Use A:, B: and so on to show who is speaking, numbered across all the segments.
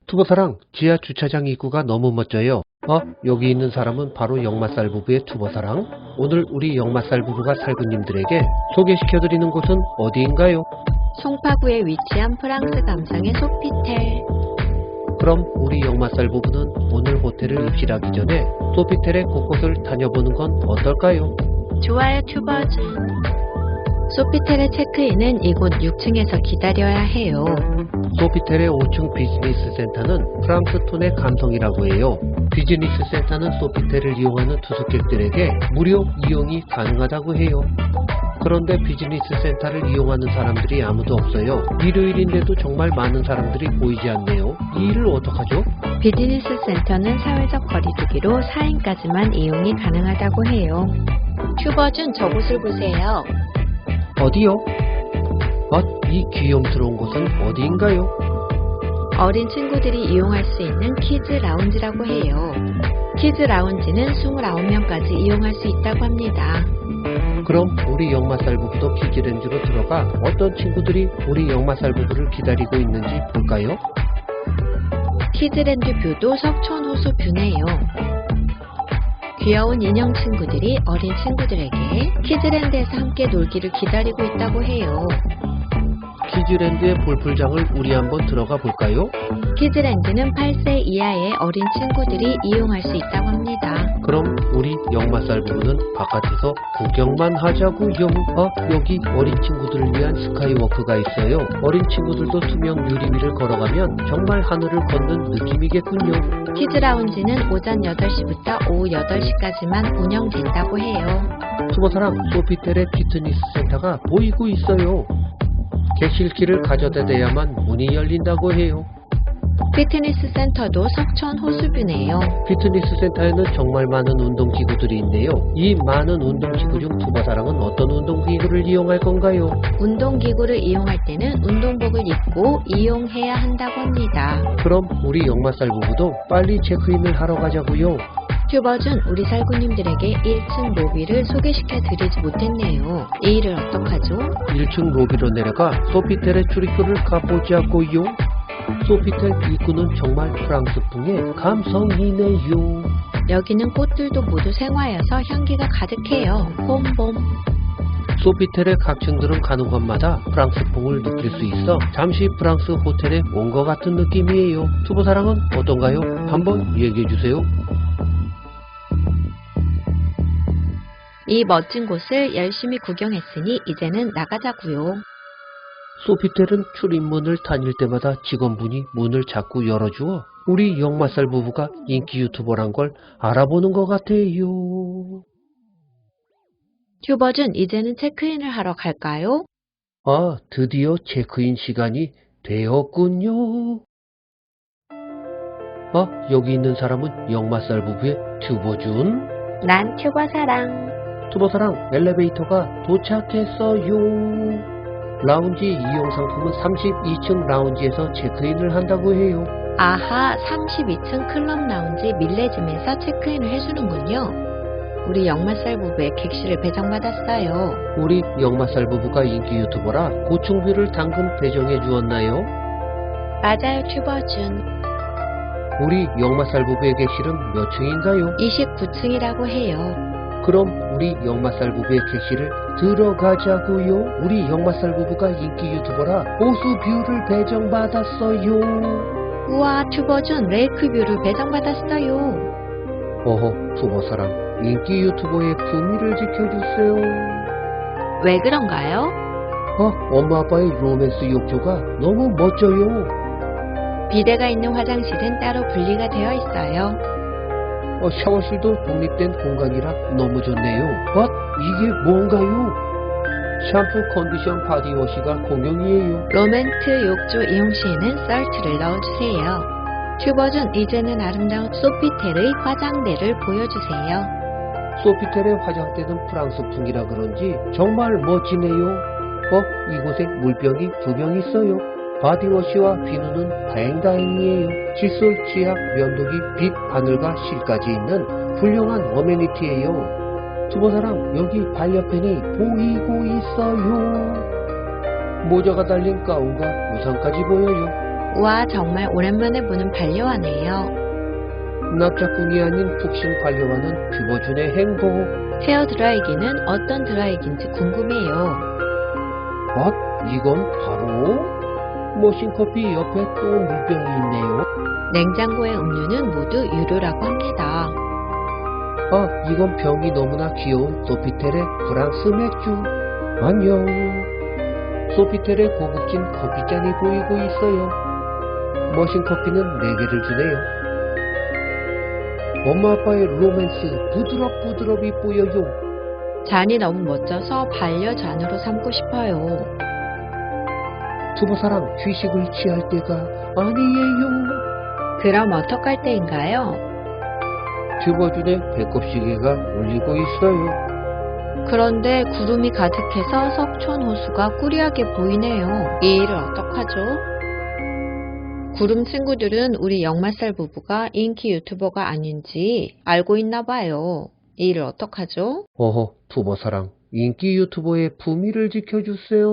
A: 투보사랑, 지하 주차장 입구가 너무 멋져요. 여기 있는 사람은 바로 역마살 부부의 투보사랑. 오늘 우리 역마살 부부가 살구님들에게 소개시켜드리는 곳은 어디인가요?
B: 송파구에 위치한 프랑스 감성의 소피텔.
A: 그럼 우리 역마살 부부는 오늘 호텔을 입실하기 전에 소피텔의 곳곳을 다녀보는 건 어떨까요?
B: 좋아요 튜버즈. 소피텔의 체크인은 이곳 6층에서 기다려야 해요.
A: 소피텔의 5층 비즈니스 센터는 프랑스 톤의 감성이라고 해요. 비즈니스 센터는 소피텔을 이용하는 투숙객들에게 무료 이용이 가능하다고 해요. 그런데 비즈니스 센터를 이용하는 사람들이 아무도 없어요. 일요일인데도 정말 많은 사람들이 보이지 않네요. 이 일을 어떡하죠?
B: 비즈니스 센터는 사회적 거리두기로 4인까지만 이용이 가능하다고 해요. 튜버준 저곳을 보세요.
A: 어디요? 이 귀염스러운 곳은 어디인가요?
B: 어린 친구들이 이용할 수 있는 키즈 라운지라고 해요. 키즈 라운지는 29명까지 이용할 수 있다고 합니다.
A: 그럼 우리 역마살 부부도 키즈랜드로 들어가 어떤 친구들이 우리 역마살 부부를 기다리고 있는지 볼까요?
B: 키즈랜드 뷰도 석촌호수 뷰네요. 귀여운 인형 친구들이 어린 친구들에게 키즈랜드에서 함께 놀기를 기다리고 있다고 해요.
A: 키즈랜드의 볼풀장을 우리 한번 들어가 볼까요?
B: 키즈랜드는 8세 이하의 어린 친구들이 이용할 수 있다고 합니다.
A: 그럼 우리 역마살 부부는 바깥에서 구경만 하자고요. 여기 어린 친구들을 위한 스카이워크가 있어요. 어린 친구들도 투명 유리 위를 걸어가면 정말 하늘을 걷는 느낌이겠군요.
B: 키즈 라운지는 오전 8시부터 오후 8시까지만 운영된다고 해요.
A: 투보사랑 소피텔의 피트니스 센터가 보이고 있어요. 객실키를 가져다 대야만 문이 열린다고 해요.
B: 피트니스 센터도 석촌 호수뷰네요.
A: 피트니스 센터에는 정말 많은 운동기구들이 있네요. 이 많은 운동기구 중 투보사랑은 어떤 운동기구를 이용할 건가요?
B: 운동기구를 이용할 때는 운동복을 입고 이용해야 한다고 합니다.
A: 그럼 우리 역마살 부부도 빨리 체크인을 하러 가자고요.
B: 튜버준 우리 살구님들에게 1층 로비를 소개시켜 드리지 못했네요. 이 일을 어떡하죠?
A: 1층 로비로 내려가 소피텔의 출입구를 가보자고요. 소피텔 입구는 정말 프랑스풍의 감성이네요.
B: 여기는 꽃들도 모두 생화여서 향기가 가득해요. 봄봄.
A: 소피텔의 각 층들은 가는 곳마다 프랑스풍을 느낄 수 있어 잠시 프랑스 호텔에 온 것 같은 느낌이에요. 투보사랑은 어떤가요? 한번 얘기해주세요.
B: 이 멋진 곳을 열심히 구경했으니 이제는 나가자고요.
A: 소피텔은 출입문을 다닐 때마다 직원분이 문을 자꾸 열어주어 우리 역마살 부부가 인기 유튜버란 걸 알아보는 것 같아요.
B: 튜버준 이제는 체크인을 하러 갈까요?
A: 드디어 체크인 시간이 되었군요. 여기 있는 사람은 역마살 부부의 튜버준.
B: 난 튜버사랑.
A: 투보사랑 엘리베이터가 도착했어요. 라운지 이용 상품은 32층 라운지에서 체크인을 한다고 해요.
B: 아하, 32층 클럽 라운지 밀레짐에서 체크인을 해주는군요. 우리 역마살 부부의 객실을 배정받았어요.
A: 우리 역마살 부부가 인기 유튜버라 고층뷰를 당근 배정해 주었나요?
B: 맞아요, 튜버준.
A: 우리 역마살 부부의 객실은 몇 층인가요?
B: 29층이라고 해요.
A: 그럼 우리 역마살 부부의 객실을 들어가자고요. 우리 역마살 부부가 인기 유튜버라 호수뷰를 배정받았어요.
B: 우와, 튜버준 레이크뷰를 배정받았어요.
A: 투보사랑 인기 유튜버의 품위를 지켜주세요.
B: 왜 그런가요?
A: 엄마 아빠의 로맨스 욕조가 너무 멋져요.
B: 비데가 있는 화장실은 따로 분리가 되어 있어요.
A: 샤워실도 독립된 공간이라 너무 좋네요. 이게 뭔가요? 샴푸, 컨디션, 바디워시가 공용이에요.
B: 로맨트 욕조 이용 시에는 썰트를 넣어주세요. 튜버준 이제는 아름다운 소피텔의 화장대를 보여주세요.
A: 소피텔의 화장대는 프랑스풍이라 그런지 정말 멋지네요. 이곳에 물병이 2병 있어요. 바디워시와 비누는 다행다행이에요. 칫솔, 치약, 면도기, 빛, 바늘과 실까지 있는 훌륭한 어메니티예요. 투보사랑 여기 반려펜이 보이고 있어요. 모자가 달린 가운과 우산까지 보여요.
B: 와, 정말 오랜만에 보는 반려와네요.
A: 납작꿍이 아닌 푹신 반려와는 튜버준의 행복.
B: 헤어 드라이기는 어떤 드라이기인지 궁금해요.
A: 이건 바로 머신커피 옆에 또 물병이 있네요.
B: 냉장고의 음료는 모두 유료라고 합니다.
A: 이건 병이 너무나 귀여운 소피텔의 프랑스 맥주. 안녕. 소피텔의 고급진 커피잔이 보이고 있어요. 머신커피는 4개를 주네요. 엄마 아빠의 로맨스 부드럽이 보여요.
B: 잔이 너무 멋져서 반려잔으로 삼고 싶어요.
A: 투보사랑 휴식을 취할 때가 아니에요.
B: 그럼 어떡할 때인가요?
A: 튜버준의 배꼽시계가 울리고 있어요.
B: 그런데 구름이 가득해서 석촌호수가 꾸리하게 보이네요. 이 일을 어떡하죠? 구름 친구들은 우리 역마살 부부가 인기 유튜버가 아닌지 알고 있나 봐요. 이 일을 어떡하죠?
A: 투보사랑 인기 유튜버의 품위를 지켜주세요.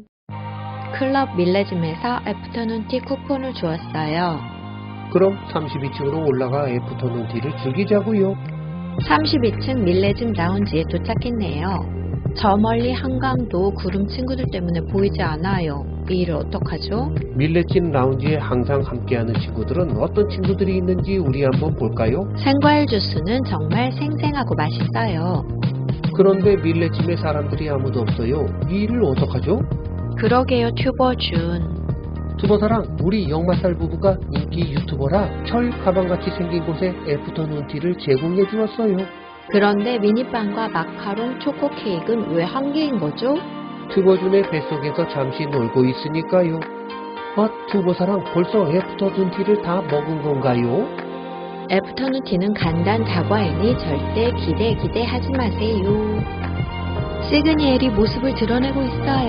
B: 클럽 밀레짐에서 애프터눈티 쿠폰을 주었어요.
A: 그럼 32층으로 올라가 애프터눈티를 즐기자고요.
B: 32층 밀레짐 라운지에 도착했네요. 저 멀리 한강도 구름 친구들 때문에 보이지 않아요. 이 일을 어떡하죠?
A: 밀레짐 라운지에 항상 함께하는 친구들은 어떤 친구들이 있는지 우리 한번 볼까요?
B: 생과일 주스는 정말 생생하고 맛있어요.
A: 그런데 밀레짐에 사람들이 아무도 없어요. 이 일을 어떡하죠?
B: 그러게요, 튜버준.
A: 투보사랑 우리 역마살 부부가 인기 유튜버라 철 가방같이 생긴 곳에 애프터눈티를 제공해 주었어요.
B: 그런데 미니빵과 마카롱, 초코 케이크는 왜 한 개인 거죠?
A: 튜버준의 뱃속에서 잠시 놀고 있으니까요. 투보사랑 벌써 애프터눈티를 다 먹은 건가요?
B: 애프터눈티는 간단 다과이니 절대 기대하지 마세요. 시그니엘이 모습을 드러내고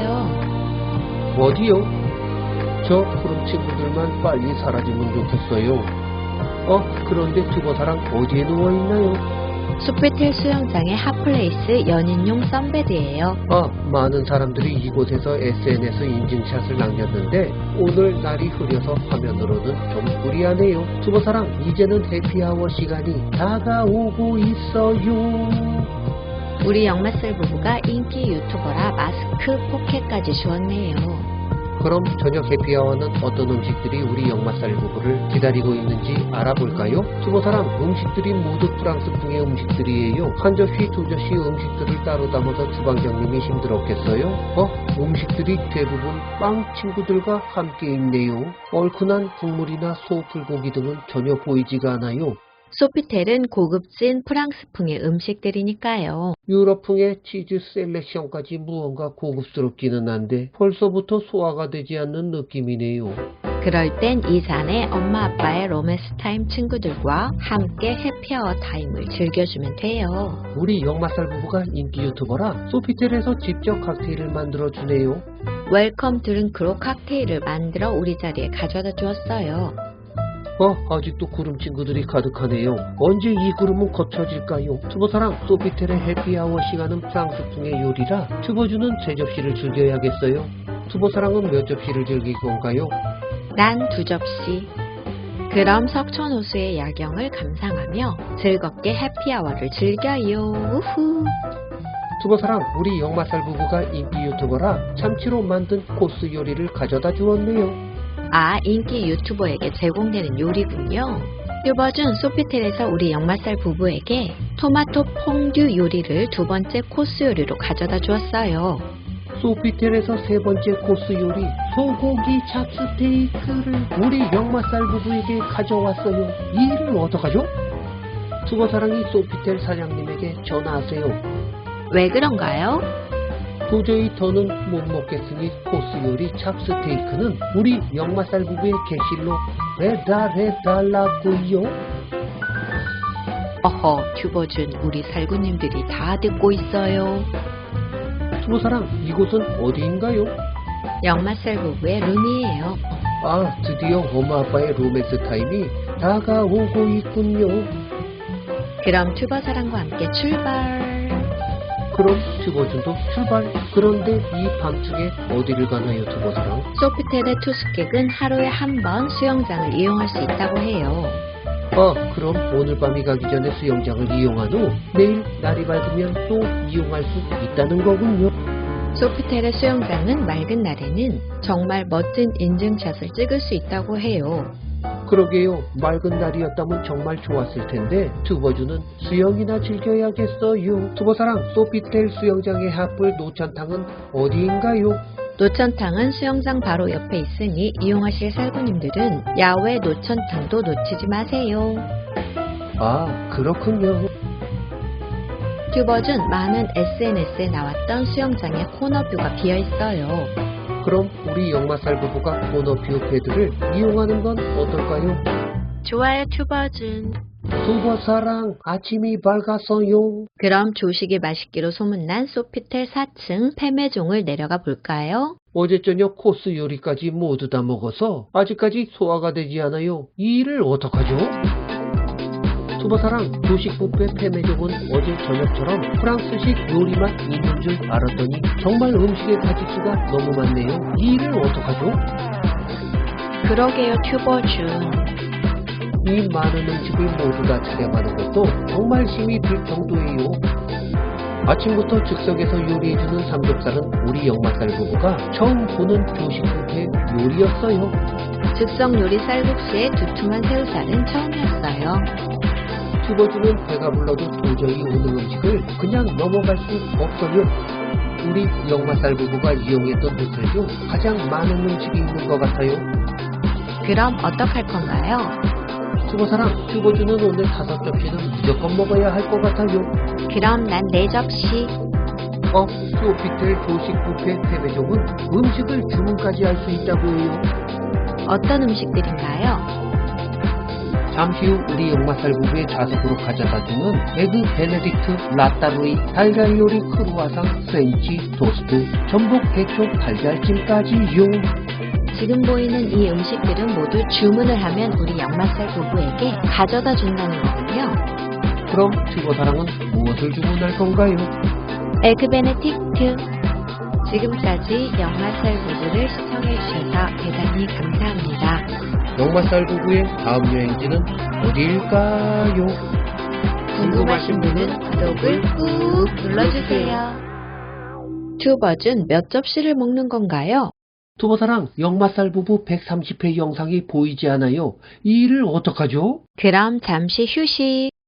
B: 있어요.
A: 어디요? 저 푸른 친구들만 빨리 사라지면 좋겠어요. 그런데 튜버사랑 어디에 누워있나요?
B: 소피텔 수영장의 핫플레이스 연인용 썬베드예요.
A: 많은 사람들이 이곳에서 SNS 인증샷을 남겼는데 오늘 날이 흐려서 화면으로는 좀 불리하네요. 튜버사랑 이제는 해피아워 시간이 다가오고 있어요.
B: 우리 역마살 부부가 인기 유튜버라 마스크, 포켓까지 주었네요.
A: 그럼 저녁 해피아워는 어떤 음식들이 우리 역마살 부부를 기다리고 있는지 알아볼까요? 투보사랑 음식들이 모두 프랑스풍의 음식들이에요. 한 접시, 두 접시 음식들을 따로 담아서 주방장님이 힘들었겠어요? 음식들이 대부분 빵 친구들과 함께 있네요. 얼큰한 국물이나 소불고기 등은 전혀 보이지가 않아요.
B: 소피텔은 고급진 프랑스풍의 음식들이니까요.
A: 유럽풍의 치즈 셀렉션까지 무언가 고급스럽기는 한데 벌써부터 소화가 되지 않는 느낌이네요.
B: 그럴 땐 이 잔에 엄마 아빠의 로맨스 타임 친구들과 함께 해피아워 타임을 즐겨주면 돼요.
A: 우리 역마살 부부가 인기 유튜버라 소피텔에서 직접 칵테일을 만들어주네요.
B: 웰컴 드링크로 칵테일을 만들어 우리 자리에 가져다 주었어요.
A: 아직도 구름 친구들이 가득하네요. 언제 이 구름은 거쳐질까요? 투보사랑 소피텔의 해피아워 시간은 프랑스풍의 요리라 튜버주는 3접시를 즐겨야겠어요. 투보사랑은 몇 접시를 즐길 건가요?
B: 난 2접시. 그럼 석촌호수의 야경을 감상하며 즐겁게 해피아워를 즐겨요. 우후.
A: 투보사랑 우리 역마살 부부가 인기 유튜버라 참치로 만든 코스 요리를 가져다 주었네요.
B: 인기 유튜버에게 제공되는 요리군요. 튜버준 소피텔에서 우리 역마살 부부에게 토마토 퐁듀 요리를 2번째 코스 요리로 가져다 주었어요.
A: 소피텔에서 3번째 코스 요리 소고기 찹스테이크를 우리 역마살 부부에게 가져왔어요. 이 일을 어떡하죠? 투보사랑이 소피텔 사장님에게 전화하세요.
B: 왜 그런가요?
A: 도저히 더는 못 먹겠으니 코스 요리 찹스테이크는 우리 역마살 부부의 객실로 배달해달라고요.
B: 튜버준 우리 살구님들이 다 듣고 있어요.
A: 투보사랑 이곳은 어디인가요?
B: 역마살 부부의 룸이에요.
A: 드디어 엄마 아빠의 로맨스 타임이 다가오고 있군요.
B: 그럼 튜버사랑과 함께 출발.
A: 그럼 튜버준도 출발. 그런데 이 밤중에 어디를 가나요, 튜버사랑?
B: 소피텔의 투숙객은 하루에 한 번 수영장을 이용할 수 있다고 해요.
A: 그럼 오늘 밤이 가기 전에 수영장을 이용한 후 내일 날이 밝으면 또 이용할 수 있다는 거군요.
B: 소피텔의 수영장은 맑은 날에는 정말 멋진 인증샷을 찍을 수 있다고 해요.
A: 그러게요. 맑은 날이었다면 정말 좋았을 텐데 튜버주는 수영이나 즐겨야겠어요. 튜버사랑, 소피텔 수영장의 핫불 노천탕은 어디인가요?
B: 노천탕은 수영장 바로 옆에 있으니 이용하실 살구님들은 야외 노천탕도 놓치지 마세요.
A: 그렇군요.
B: 튜버준 많은 SNS에 나왔던 수영장의 코너뷰가 비어있어요.
A: 그럼 우리 역마살 부부가 코너뷰 패드를 이용하는 건 어떨까요?
B: 좋아요, 튜버준.
A: 튜버사랑, 아침이 밝았어요.
B: 그럼 조식이 맛있기로 소문난 소피텔 4층 폐매종을 내려가 볼까요?
A: 어제 저녁 코스 요리까지 모두 다 먹어서 아직까지 소화가 되지 않아요. 이 일을 어떡하죠? 튜버사랑, 조식 뷔페 폐매종은 어제 저녁처럼 프랑스식 요리만 있는 줄 알았더니 정말 음식의 가짓수가 너무 많네요. 이 일을 어떡하죠?
B: 그러게요, 튜버준.
A: 이 많은 음식을 모두 다 차려가는 것도 정말 힘이 들 정도예요. 아침부터 즉석에서 요리해주는 삼겹살은 우리 역마살 부부가 처음 보는 조식 뷔페 요리였어요.
B: 즉석 요리 쌀국수에 두툼한 새우살은 처음이었어요.
A: 튜버주는 배가 불러도 도저히 오는 음식을 그냥 넘어갈 수 없어요. 우리 역마살 부부가 이용했던 호텔 중 가장 많은 음식이 있는 것 같아요.
B: 그럼 어떡할 건가요?
A: 튜버사랑, 튜버주는 오늘 5접시는 무조건 먹어야 할 것 같아요.
B: 그럼 난 4접시.
A: 소피텔 조식 뷔페 폐매종은 음식을 주문까지 할 수 있다고 해요.
B: 어떤 음식들인가요?
A: 잠시 후 우리 역마살 부부의 좌석으로 가져다주는 에그 베네딕트, 라따루이, 달걀 요리 크루아상, 프렌치, 토스트, 전복, 개초, 달걀찜까지요.
B: 지금 보이는 이 음식들은 모두 주문을 하면 우리 역마살 부부에게 가져다 준다는 거군요.
A: 그럼 튜버사랑은 무엇을 주문할 건가요?
B: 에그 베네딕트. 지금까지 역마살 부부를 시청해주셔서 대단히 감사합니다.
A: 역마살 부부의 다음 여행지는 어디일까요?
B: 궁금하신 분은 구독을 꾹 눌러주세요. 튜버준 몇 접시를 먹는 건가요?
A: 튜버사랑, 역마살 부부 130회 영상이 보이지 않아요. 이 일을 어떡하죠?
B: 그럼 잠시 휴식.